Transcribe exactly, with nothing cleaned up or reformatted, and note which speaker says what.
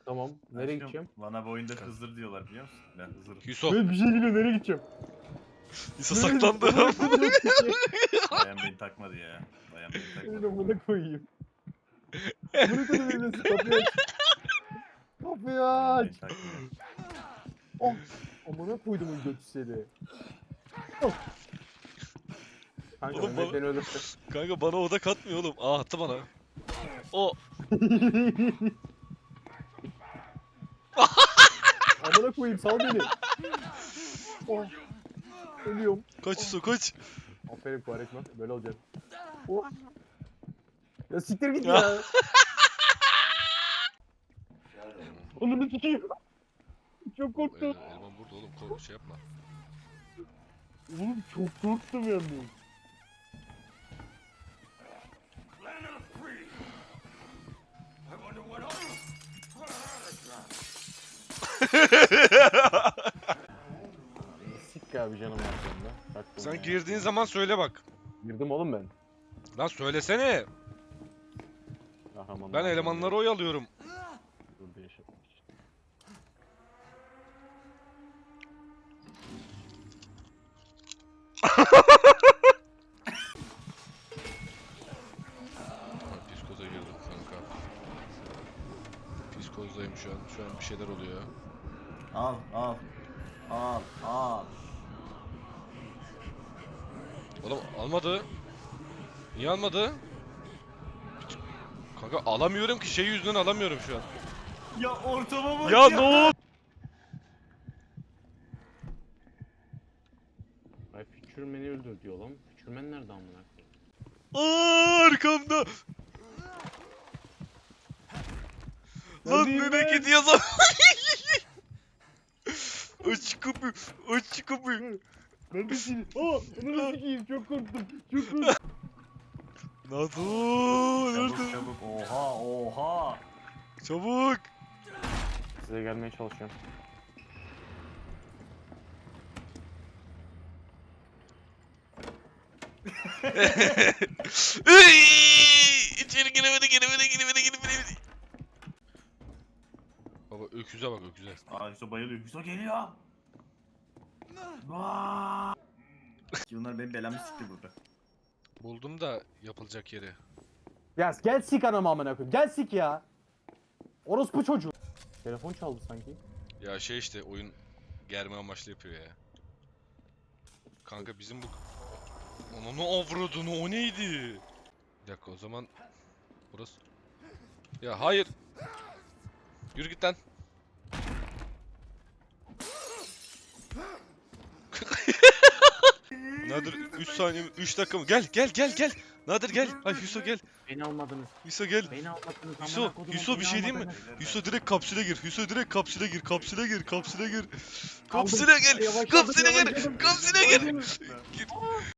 Speaker 1: Tamam. Nereye
Speaker 2: Aşkım,
Speaker 1: gideceğim?
Speaker 2: bana bu oyunda Hızır diyorlar biliyor musun? Ben Hızır'ım.
Speaker 3: Yusuf.
Speaker 1: Evet bir şey geliyor. Nereye gideceğim?
Speaker 3: Yusuf
Speaker 1: Nereye
Speaker 3: saklandı.
Speaker 1: gideceğim?
Speaker 2: Bayan beni takmadı ya. Bayan beni
Speaker 1: Öyle
Speaker 2: takmadı.
Speaker 1: amına koyayım. Amına koyayım evlensin. Kapıyı aç. Kapıyı
Speaker 2: Bayan
Speaker 1: aç.
Speaker 2: beni takmıyor.
Speaker 1: Oh. Amına koydum götü seni. Oh. Kanka
Speaker 3: Oğlum
Speaker 1: Mehmet
Speaker 3: bana-
Speaker 1: beni öldürsün.
Speaker 3: Kanka bana oda katmıyor oğlum. Aa attı bana. O.
Speaker 1: Amına koyayım sal beni. Oh. Ölüyorum.
Speaker 3: Kaç Yusuf kaç.
Speaker 1: Aferin Kuvarekma. Böyle olacak. Oh. Ya siktir git ya. Onu sikeyim. Çok korktum.
Speaker 3: El- Elman burada oğlum. Kork şey yapma.
Speaker 1: Oğlum çok korktum yalnız. Sik abi canım aslında. Baktım
Speaker 3: Sen
Speaker 1: ya.
Speaker 3: girdiğin zaman söyle bak.
Speaker 1: Girdim oğlum ben.
Speaker 3: Lan söylesene.
Speaker 1: Kahramanlar
Speaker 3: Ben elemanları oyalıyorum.
Speaker 1: Burada yaşamak için.
Speaker 3: Psikoza girdim kanka. Psikozdayım şu an. Şu an bir şeyler oluyor.
Speaker 2: Al al. Al al.
Speaker 3: Oğlum almadı. Niye almadı? Kanka alamıyorum ki şey yüzünden alamıyorum şu an.
Speaker 2: Ya ortama bak
Speaker 3: Ya ne oldu?
Speaker 1: Ay Füçürmen'i öldür diyor lan. Füçürmen nerede amına koyayım?
Speaker 3: Aa, arkamda. Lan
Speaker 1: Neredeyim
Speaker 3: nereye
Speaker 1: ben?
Speaker 3: gidiyorsun lan? Aç kapıyı. Aç kapıyı.
Speaker 1: Neredesin? Aa! Onu sikeyim çok korktum. Çok korktum.
Speaker 3: Nasıl?
Speaker 2: Çabuk
Speaker 3: Nerede?
Speaker 2: çabuk. Oha oha.
Speaker 3: Çabuk.
Speaker 1: Size gelmeye çalışıyorum.
Speaker 3: Iy! İçeri giremedi, giremedi, giremedi, giremedi. Baba öküze bak öküze.
Speaker 2: Aa Hüso bayılıyor. Hüso geliyor. Vaa. Bunlar benim belamı sikti burada.
Speaker 3: Buldum da yapılacak yeri.
Speaker 1: Ya gel sik anamı amına koyayım. Gel sik ya. Orospu çocuğu. Telefon çaldı sanki.
Speaker 3: Ya şey işte oyun germe amaçlı yapıyor ya. Kanka bizim bu... Onu ne avradını o neydi? Bir dakika o zaman... Burası... Ya hayır! Yürü git lan! Nadir üç saniye üç dakika mı? Gel gel gel gel! Nadir gel! Ay Hüso gel!
Speaker 1: Beni almadınız.
Speaker 3: Hüso gel!
Speaker 1: Beni almadınız.
Speaker 3: Hüso,
Speaker 1: amına kodumun,
Speaker 3: Hüso bir
Speaker 1: beni
Speaker 3: şey diyeyim mi?
Speaker 1: almadınız.
Speaker 3: Hüso direkt kapsüle gir. Hüso direkt kapsüle gir. Kapsüle gir. Kapsüle gir.
Speaker 1: Aldım.
Speaker 3: Kapsüle gir.
Speaker 1: Yavaşladım,
Speaker 3: Kapsüle gir.
Speaker 1: yavaşladım.
Speaker 3: Kapsüle gir.
Speaker 1: Yavaşladım.
Speaker 3: Gir.